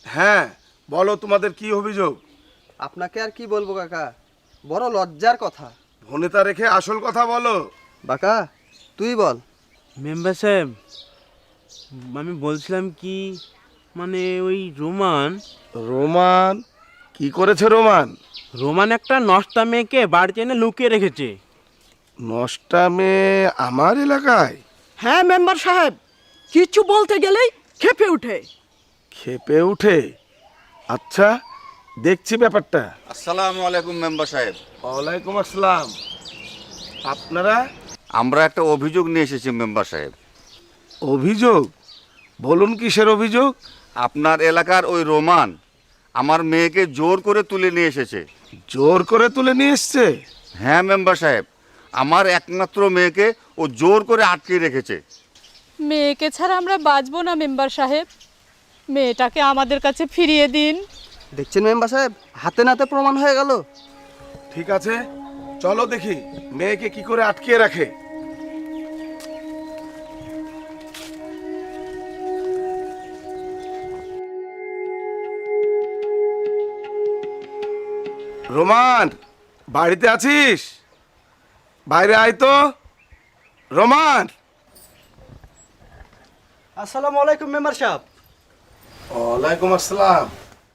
হ্যাঁ, বলো তোমাদের কি অভিযোগ? আপনাকে আর কি বলবো কাকা, বড় লজ্জার কথা। ভনিতা রেখে আসল কথা বলো। বাকা তুই বল। মেম্বার সাহেব, আমি বলছিলাম কি, মানে ওই রোমান রোমান কি করেছে? রোমান রোমান একটা নষ্টা মেয়েকে বাড়িতে এনে লুকিয়ে রেখেছে। নষ্টা মেয়ে আমার এলাকায়? হ্যাঁ মেম্বার সাহেব, কিছু বলতে গেলেই খেপে ওঠে। খেপে উঠে? আচ্ছা, দেখছি ব্যাপারটা। আসসালামু আলাইকুম মেম্বার সাহেব। ওয়ালাইকুম আসসালাম। আপনারা? আমরা একটা অভিযোগ নিয়ে এসেছি মেম্বার সাহেব। অভিযোগ? বলুন, কিসের অভিযোগ? আপনার এলাকার ওই রোমান আমার মেয়েকে জোর করে তুলে নিয়ে এসেছে। জোর করে তুলে নিয়ে এসছে? হ্যাঁ মেম্বার সাহেব, আমার একমাত্র মেয়েকে ও জোর করে আটকে রেখেছে। মেয়েকে ছাড়া আমরা বাঁচবো না মেম্বার সাহেব, মেয়েটাকে আমাদের কাছে ফিরিয়ে দিন। দেখছেন মেম্বার সাহেব, হাতে নাতে প্রমাণ হয়ে গেল। ঠিক আছে, চলো দেখি মেয়েকে কি করে আটকিয়ে রাখে। রোমান, বাড়িতে আছিস? বাইরে আয় তো। রোমান! আসসালামু আলাইকুম মেম্বার সাহেব। ওয়ালাইকুম আসসালাম।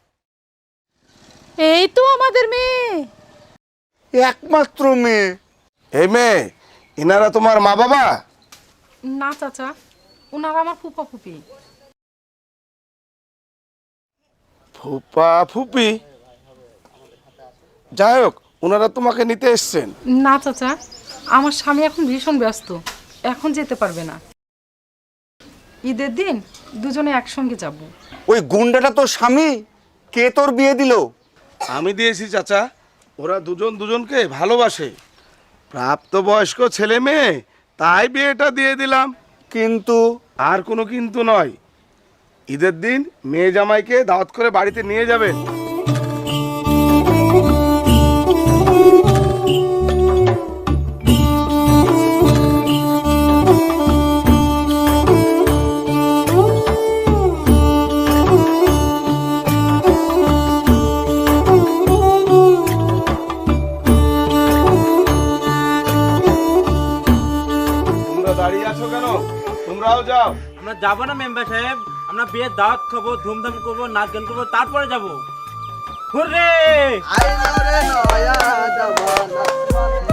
এই তো আমাদের মেয়ে। একমাত্র মেয়ে? এই মেয়ে, এনারা তোমার মা বাবা? না চাচা, ওনারা আমার ফুপা ফুপি। ফুপা ফুপি? যাই হোক, ওনারা তোমাকে নিতে এসছেন। না চাচা, আমার স্বামী এখন ভীষণ ব্যস্ত, এখন যেতে পারবে না। ঈদের দিন দুজনে একসঙ্গে যাব। ওই গুন্ডাটা তোর স্বামী? কে তোর বিয়ে দিল? আমি দিয়েছি চাচা। ওরা দুজন দুজনকে ভালোবাসে, প্রাপ্তবয়স্ক ছেলে মেয়ে, তাই বিয়েটা দিয়ে দিলাম। কিন্তু আর কোনো কিন্তু নয়। ঈদের দিন মেয়ে জামাইকে দাওয়াত করে বাড়িতে নিয়ে যাবেন। তোমরা দাঁড়িয়ে আছো কেন? তোমরাও যাও। আমরা যাবো না মেম্বার সাহেব, আমরা বিয়ের দাওয়াত খাবো, ধুমধাম করবো, নাচ গান করবো, তারপরে যাবো। হুররে! আইলো রে নয়া জমানা।